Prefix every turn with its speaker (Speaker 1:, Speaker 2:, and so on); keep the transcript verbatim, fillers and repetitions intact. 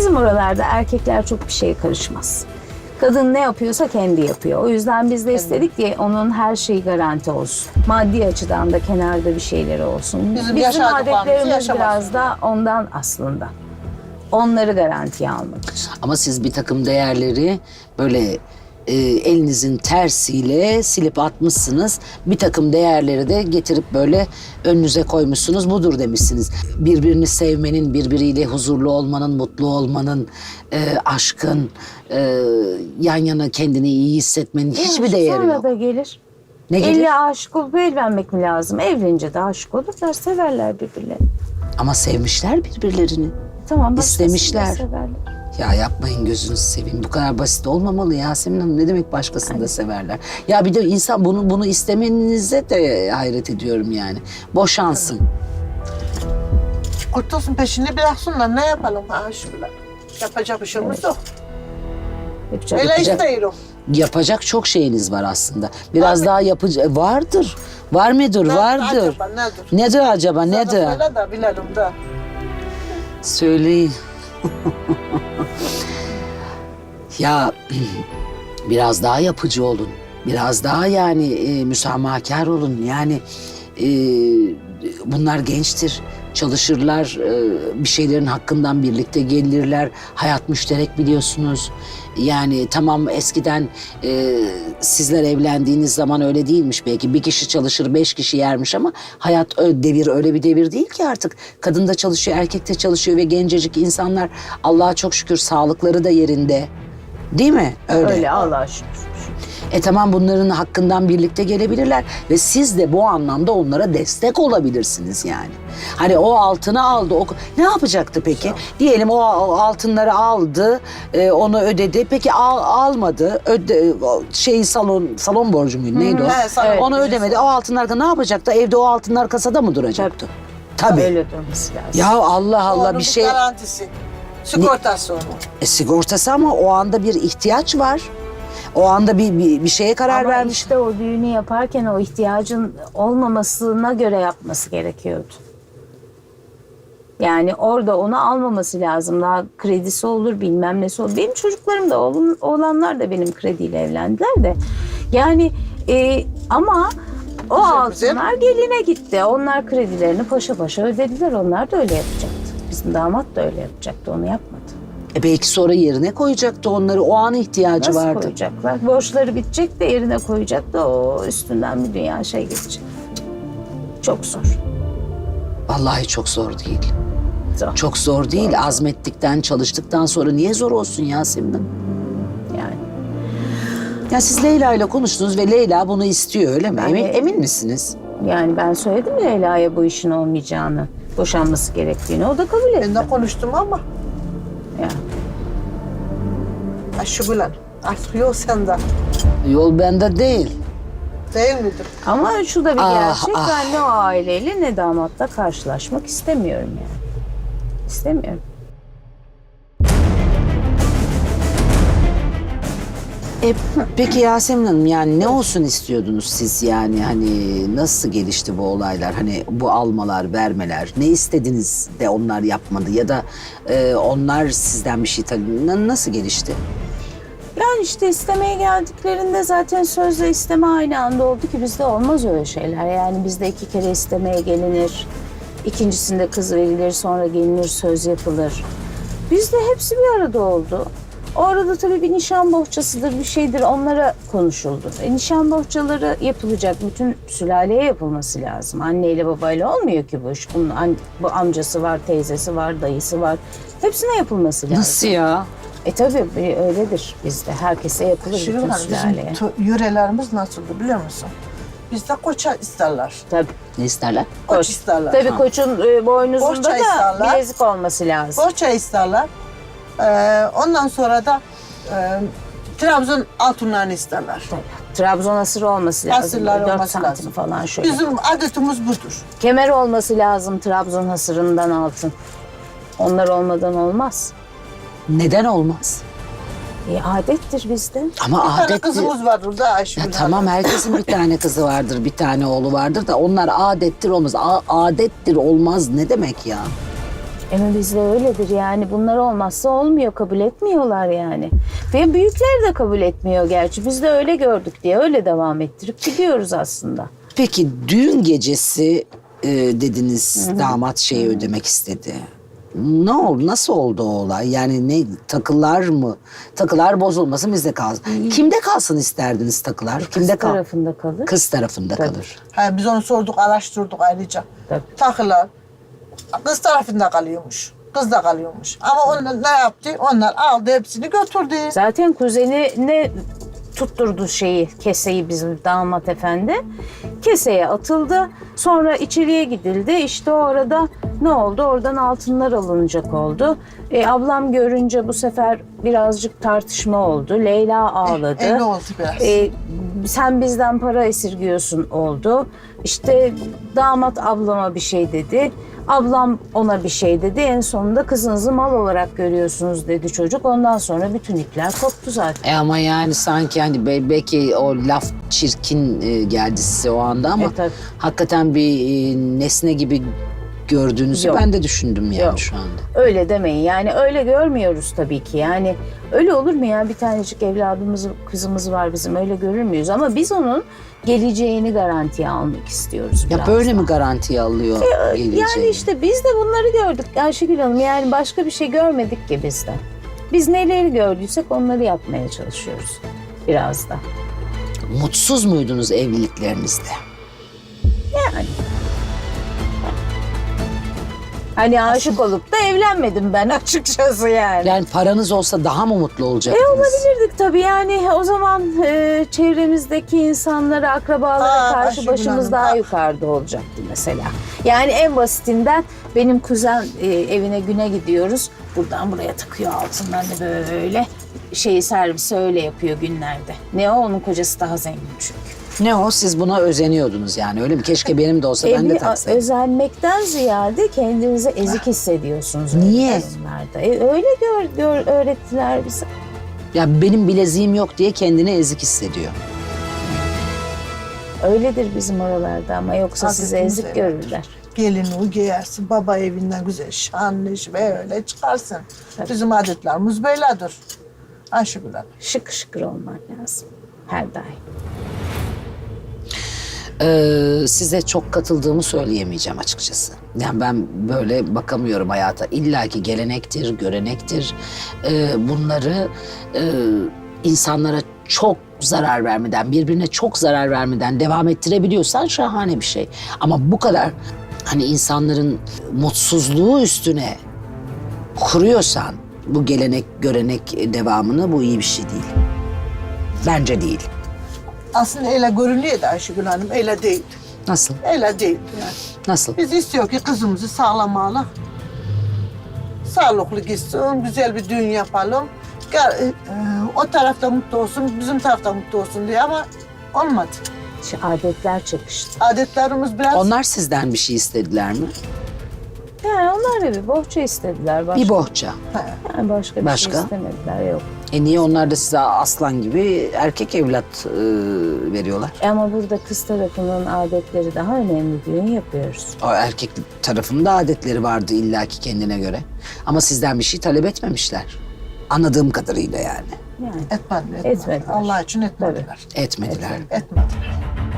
Speaker 1: Bizim oralarda erkekler çok bir şeye karışmaz. Kadın ne yapıyorsa kendi yapıyor. O yüzden biz de istedik ki onun her şeyi garanti olsun. Maddi açıdan da kenarda bir şeyleri olsun.
Speaker 2: Bizim
Speaker 1: Bizim
Speaker 2: yaşadıklarımızı
Speaker 1: adetlerimiz
Speaker 2: yaşamasın.
Speaker 1: biraz da ondan aslında. Onları garantiye almak için.
Speaker 3: Ama siz bir takım değerleri böyle e, elinizin tersiyle silip atmışsınız. Bir takım değerleri de getirip böyle önünüze koymuşsunuz. Budur demişsiniz. Birbirini sevmenin, birbiriyle huzurlu olmanın, mutlu olmanın, e, aşkın, e, yan yana kendini iyi hissetmenin hiçbir değeri
Speaker 1: Sonra
Speaker 3: yok.
Speaker 1: da gelir.
Speaker 3: Ne gelir?
Speaker 1: Elle aşık olup evlenmek mi lazım? Evlenince de aşık olurlar, severler birbirlerini.
Speaker 3: Ama sevmişler birbirlerini.
Speaker 1: Tamam, başkasını da
Speaker 3: İstemişler.
Speaker 1: severler.
Speaker 3: Ya yapmayın gözünüzü seveyim. Bu kadar basit olmamalı Yasemin Hanım. Ne demek başkasını da severler? Ya bir de insan bunu bunu istemenize de hayret ediyorum yani. Boşansın.
Speaker 2: Kurtulsun, peşini bıraksınlar. Ne yapalım ha şöyle? Yapacak bir şeyimiz yok.
Speaker 1: Yapacak
Speaker 2: Öyle
Speaker 3: Yapacak-
Speaker 2: istiyorum.
Speaker 3: Yapacak çok şeyiniz var aslında. Biraz daha yapıcı vardır. Var mıdır?
Speaker 2: Ne-
Speaker 3: Vardır.
Speaker 2: acaba nedir?
Speaker 3: Nedir acaba?
Speaker 2: Sana
Speaker 3: Nedir?
Speaker 2: söyle de bilelim de.
Speaker 3: Söyleyin. Ya biraz daha yapıcı olun. Biraz daha yani e, müsamahakar olun. Yani e, bunlar gençtir. Çalışırlar, e, bir şeylerin hakkından birlikte gelirler. Hayat müşterek biliyorsunuz. Yani tamam eskiden e, sizler evlendiğiniz zaman öyle değilmiş belki. Bir kişi çalışır, beş kişi yermiş ama hayat ö- devir öyle bir devir değil ki artık. Kadın da çalışıyor, erkek de çalışıyor ve gencecik insanlar Allah'a çok şükür sağlıkları da yerinde. Değil mi? Öyle.
Speaker 1: Öyle Allah'a şükür.
Speaker 3: E tamam bunların hakkından birlikte gelebilirler ve siz de bu anlamda onlara destek olabilirsiniz yani. Hani o altını aldı, o ne yapacaktı peki? Diyelim o, o altınları aldı, e, onu ödedi. Peki al, almadı, öde, o şey salon salon borcu muydu neydi o?
Speaker 2: He, salon
Speaker 3: Onu
Speaker 2: borcu.
Speaker 3: ödemedi. O altınlar ne yapacaktı? Evde o altınlar kasada mı duracaktı? Tabii.
Speaker 1: Öyle durması lazım.
Speaker 3: Ya Allah Allah
Speaker 2: Onun
Speaker 3: bir şey
Speaker 2: garantisi. Sigortası onun.
Speaker 3: e, sigortası ama o anda bir ihtiyaç var. O anda bir bir, bir şeye karar
Speaker 1: Ama
Speaker 3: vermiş.
Speaker 1: işte o düğünü yaparken o ihtiyacın olmamasına göre yapması gerekiyordu. Yani orada onu almaması lazım. Daha kredisi olur, bilmem nesi olur. Benim çocuklarım da, oğlum, oğlanlar da benim krediyle evlendiler de. Yani e, ama o
Speaker 2: Güzel, güzel.
Speaker 1: altınlar geline gitti. Onlar kredilerini paşa paşa ödediler. Onlar da öyle yapacaktı. Bizim damat da öyle yapacaktı. Onu yapmadı.
Speaker 3: E belki sonra yerine koyacaktı onları. O an ihtiyacı
Speaker 1: Nasıl
Speaker 3: vardı.
Speaker 1: koyacaklar? Borçları bitecek de yerine koyacak da o üstünden bir dünya şey geçecek. Çok zor.
Speaker 3: Vallahi çok zor değil.
Speaker 1: Zor.
Speaker 3: Çok zor değil. Azmettikten, çalıştıktan sonra niye zor olsun Yasemin Hanım?
Speaker 1: Yani.
Speaker 3: Ya siz Leyla ile konuştunuz ve Leyla bunu istiyor öyle mi?
Speaker 1: Ben
Speaker 3: Emin,
Speaker 1: de-
Speaker 3: emin misiniz?
Speaker 1: Yani ben söyledim Leyla'ya bu işin olmayacağını, boşanması gerektiğini. O da kabul etti.
Speaker 2: Ben de konuştum ama.
Speaker 1: Yani.
Speaker 2: Ha şu bilen. Artık yok sende.
Speaker 3: Yol bende değil.
Speaker 2: Değil midir?
Speaker 1: Ama şu da bir
Speaker 3: Ah,
Speaker 1: gerçek.
Speaker 3: ah.
Speaker 1: Ben ne o aileyle ne damatla karşılaşmak istemiyorum yani. İstemiyorum.
Speaker 3: E, peki Yasemin Hanım yani ne olsun istiyordunuz siz yani hani nasıl gelişti bu olaylar hani bu almalar vermeler ne istediniz de onlar yapmadı ya da e, onlar sizden bir şey tabii na- nasıl gelişti?
Speaker 1: Yani işte istemeye geldiklerinde zaten sözle isteme aynı anda oldu ki bizde olmaz öyle şeyler. Yani bizde iki kere istemeye gelinir. İkincisinde kız verilir, sonra gelinir, söz yapılır. Bizde hepsi bir arada oldu. O arada tabii bir nişan bohçasıdır, bir şeydir onlara konuşuldu. E, nişan bohçaları yapılacak, bütün sülaleye yapılması lazım. Anneyle babayla olmuyor ki bu iş. Bunun an- bu amcası var, teyzesi var, dayısı var. Hepsine yapılması lazım.
Speaker 3: Nasıl ya?
Speaker 1: E tabii bir öyledir bizde. Herkese yapılır
Speaker 2: Şimdi
Speaker 1: bütün
Speaker 2: hani
Speaker 1: sülaleye.
Speaker 2: bizim tu- yörelerimiz nasıldı biliyor musun? Bizde koça isterler.
Speaker 1: Tabii.
Speaker 3: Ne isterler?
Speaker 2: Koç,
Speaker 1: Koç.
Speaker 2: isterler.
Speaker 1: Tabii
Speaker 2: Ha.
Speaker 1: koçun e, boynuzunda
Speaker 2: Bohça
Speaker 1: da
Speaker 2: isterler.
Speaker 1: bilezik olması lazım.
Speaker 2: Bohça isterler. Ee, ondan sonra da e, Trabzon altınlarını isterler.
Speaker 1: Trabzon asırı olması lazım.
Speaker 2: Asırlar
Speaker 1: Dört
Speaker 2: olması
Speaker 1: santim
Speaker 2: lazım.
Speaker 1: falan şöyle.
Speaker 2: Bizim adetimiz budur.
Speaker 1: Kemer olması lazım Trabzon hasırından altın. Onlar olmadan olmaz.
Speaker 3: Neden olmaz?
Speaker 1: E, adettir bizde.
Speaker 3: Ama
Speaker 2: Bir tane
Speaker 3: adet
Speaker 2: kızımız var burada Ayşegül
Speaker 3: Ya
Speaker 2: Hanım.
Speaker 3: tamam herkesin bir tane kızı vardır, bir tane oğlu vardır da onlar adettir olmaz. A- adettir olmaz ne demek ya?
Speaker 1: Ama bizde öyledir yani, bunlar olmazsa olmuyor, kabul etmiyorlar yani. Ve büyükler de kabul etmiyor gerçi. Biz de öyle gördük diye öyle devam ettirip gidiyoruz aslında.
Speaker 3: Peki düğün gecesi e, dediniz damat şeyi ödemek istedi. Ne oldu? Nasıl oldu o olay? Yani ne takılar mı? Takılar bozulmasın bizde kalsın. Kimde kalsın isterdiniz takılar? Kimde
Speaker 1: Kız
Speaker 3: kal?
Speaker 1: tarafında kalır.
Speaker 3: Kız tarafında
Speaker 1: Tabii.
Speaker 3: kalır.
Speaker 2: Ha, biz onu sorduk, araştırdık ayrıca.
Speaker 1: Tabii.
Speaker 2: Takılar kız tarafında kalıyormuş. Kız da kalıyormuş. Ama onlar ne yaptı? Onlar aldı hepsini götürdü.
Speaker 1: Zaten kuzeni ne tutturdu şeyi, keseyi bizim damat efendi. Keseye atıldı. Sonra içeriye gidildi. İşte o arada ne oldu? Oradan altınlar alınacak oldu. E, ablam görünce bu sefer birazcık tartışma oldu. Leyla ağladı.
Speaker 2: E, ne oldu biraz?
Speaker 1: E, sen bizden para esirgiyorsun oldu. İşte damat ablama bir şey dedi. Ablam ona bir şey dedi. En sonunda kızınızı mal olarak görüyorsunuz dedi çocuk. Ondan sonra bütün ipler koptu zaten.
Speaker 3: E ama yani sanki hani be- belki o laf çirkin e, geldi size o anda ama
Speaker 1: E, tabii.
Speaker 3: hakikaten bir e, nesne gibi gördüğünüzü
Speaker 1: Yok.
Speaker 3: ben de düşündüm yani
Speaker 1: Yok.
Speaker 3: şu anda.
Speaker 1: Öyle demeyin yani, öyle görmüyoruz tabii ki yani. Öyle olur mu ya, bir tanecik evladımız, kızımız var bizim, öyle görür müyüz? Ama biz onun geleceğini garantiye almak istiyoruz
Speaker 3: Ya
Speaker 1: biraz
Speaker 3: böyle
Speaker 1: daha.
Speaker 3: mi garantiye alıyor geleceğini?
Speaker 1: Yani işte biz de bunları gördük Ayşegül Hanım, yani başka bir şey görmedik ki biz de. Biz neleri gördüysek onları yapmaya çalışıyoruz biraz da.
Speaker 3: Mutsuz muydunuz evliliklerinizde?
Speaker 1: Yani. Hani aşık olup da evlenmedim ben açıkçası yani.
Speaker 3: Yani paranız olsa daha mı mutlu olacaktınız?
Speaker 1: E olabilirdik tabii yani, o zaman e, çevremizdeki insanlara, akrabalara
Speaker 2: Aa,
Speaker 1: karşı
Speaker 2: Ayşegül
Speaker 1: başımız
Speaker 2: Hanım,
Speaker 1: daha
Speaker 2: bak.
Speaker 1: yukarıda olacaktı mesela. Yani en basitinden benim kuzen e, evine güne gidiyoruz. Buradan buraya takıyor altınlarını böyle. Şeyi servisi öyle yapıyor günlerde. Ne o, onun kocası daha zengin çünkü.
Speaker 3: Ne o? Siz buna özeniyordunuz yani öyle mi? Keşke benim de olsa ben de
Speaker 1: Evi
Speaker 3: taksaydım.
Speaker 1: özenmekten ziyade kendinizi ezik hissediyorsunuz. öyle
Speaker 3: Niye?
Speaker 1: durumlarda. E, öyle gör, gör, öğrettiler bize.
Speaker 3: Ya benim bileziğim yok diye kendini ezik hissediyor.
Speaker 1: Öyledir bizim oralarda ama yoksa sizi
Speaker 2: Adetimiz
Speaker 1: ezik
Speaker 2: öyledir.
Speaker 1: görürler.
Speaker 2: Gelini giyersin, baba evinden güzel şanlı böyle çıkarsın. Bizim adetlerimiz böyledir. Ayşegül Hanım.
Speaker 1: Şık şıkır olman lazım her daim.
Speaker 3: Ee, size çok katıldığımı söyleyemeyeceğim açıkçası. Yani ben böyle bakamıyorum hayata. İlla ki gelenektir, görenektir. Ee, bunları e, insanlara çok zarar vermeden, birbirine çok zarar vermeden devam ettirebiliyorsan şahane bir şey. Ama bu kadar hani insanların mutsuzluğu üstüne kuruyorsan bu gelenek, görenek devamını, bu iyi bir şey değil. Bence değil.
Speaker 2: Aslında öyle görünüyor da Ayşegül Hanım, öyle değil.
Speaker 3: Nasıl?
Speaker 2: Öyle değil yani.
Speaker 3: Nasıl?
Speaker 2: Biz istiyor ki kızımızı sağlam alalım. Sağlıklı gitsin, güzel bir düğün yapalım. Gel, e, o tarafta mutlu olsun, bizim tarafta mutlu olsun diye ama olmadı.
Speaker 1: Şu adetler çakıştı.
Speaker 2: Adetlerimiz biraz...
Speaker 3: Onlar sizden bir şey istediler mi?
Speaker 1: Yani onlar da bir bohça istediler. Başka,
Speaker 3: Bir bohça.
Speaker 2: He.
Speaker 1: Yani başka bir
Speaker 3: Başka?
Speaker 1: şey istemediler, yok.
Speaker 3: E niye onlar da size aslan gibi erkek evlat e, veriyorlar?
Speaker 1: E ama burada kız tarafının adetleri daha önemli, düğün yapıyoruz.
Speaker 3: O erkek tarafında adetleri vardı illaki kendine göre. Ama sizden bir şey talep etmemişler. Anladığım kadarıyla yani.
Speaker 1: Yani
Speaker 2: Etmediler. etmediler.
Speaker 1: Etmediler.
Speaker 2: Allah için etmediler.
Speaker 3: Etmediler.
Speaker 2: Etmediler.